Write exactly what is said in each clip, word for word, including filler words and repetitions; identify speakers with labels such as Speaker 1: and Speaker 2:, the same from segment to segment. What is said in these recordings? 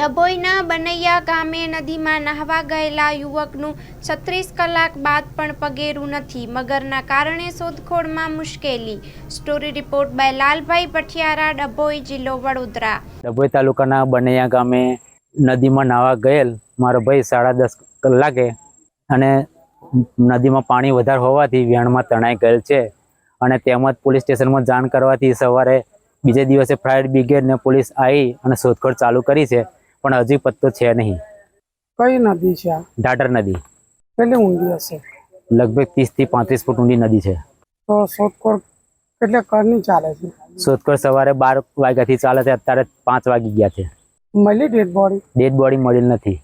Speaker 1: ડભોઈના બનૈયા ગામે નદીમાં નહાવા ગયેલા યુવકનું છત્રીસ કલાક બાદ પણ પગેરું નથી. મગરના કારણે શોધખોળમાં મુશ્કેલી. Story report by Lalbhai Pathiyara, Dabhoi, જિલ્લો વડોદરા.
Speaker 2: ડભોઈ તાલુકાના બનૈયા ગામે નદીમાં નાહવા ગયેલ મારો ભાઈ સાડા દસ કલાકે અને નદીમાં પાણી વધારે હોવાથી વેણમાં તણાઈ ગયેલ છે અને તેમજ પોલીસ સ્ટેશનમાં જાણ કરવાથી સવારે બીજે દિવસે ફાયર બ્રિગેડ ને પોલીસ આવી અને શોધખોળ ચાલુ કરી છે, પણ હજી પત્તો છે નહીં.
Speaker 3: કઈ નદી છે?
Speaker 2: ઢાઢર નદી.
Speaker 3: કેટલી ઊંડી હશે?
Speaker 2: લગભગ ત્રીસ થી પાંત્રીસ ફૂટ ઊંડી નદી છે.
Speaker 3: તો શોધખોળ કેટલે કરની ચાલે છે?
Speaker 2: શોધખોળ સવારે બાર વાગ્યાથી ચાલે છે, અત્યારે પાંચ વાગી ગયા છે.
Speaker 3: મળી ડેડ બોડી?
Speaker 2: ડેડ બોડી મળેલ નથી.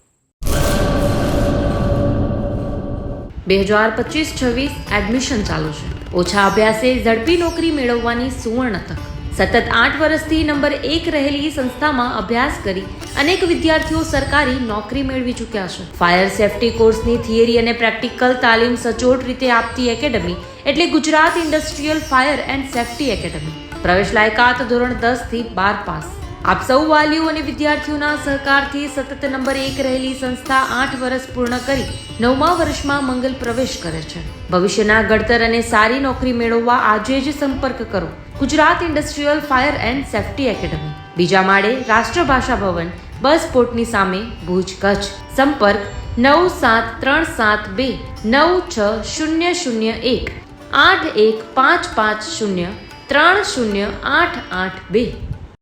Speaker 4: બે હજાર પચીસ છવ્વીસ એડમિશન ચાલુ છે. ઓછા અભ્યાસે ઝડપી નોકરી મેળવવાની સુવર્ણ તક. સતત આઠ વર્ષથી નંબર એક રહેલી સંસ્થામાં અભ્યાસ કરી અનેક વિદ્યાર્થીઓ સરકારી નોકરી મેળવી ચૂક્યા છે. ફાયર સેફટી કોર્સની થિયરી અને પ્રેક્ટિકલ તાલીમ સચોટ રીતે આપતી એકેડમી એટલે Gujarat industrial fire and safety academy. પ્રવેશ લાયકાત ધોરણ દસ થી બાર પાસ. આપ સૌ વાલીઓ અને વિદ્યાર્થીઓના સહકારથી સતત નંબર એક રહેલી સંસ્થા આઠ વર્ષ પૂર્ણ કરી નવમા વર્ષમાં મંગલ પ્રવેશ કરે છે. ભવિષ્યના ઘડતર અને સારી નોકરી મેળવવા આજે જ સંપર્ક કરો Gujarat industrial fire and safety academy, બીજા માળે રાષ્ટ્રભાષા ભવન, બસ પોર્ટની સામે, ભુજ, કચ્છ. સંપર્ક નવ સાત ત્રણ સાત બે નવ છ શૂન્ય શૂન્ય એક આઠ એક પાંચ પાંચ શૂન્ય ત્રણ શૂન્ય આઠ આઠ બે.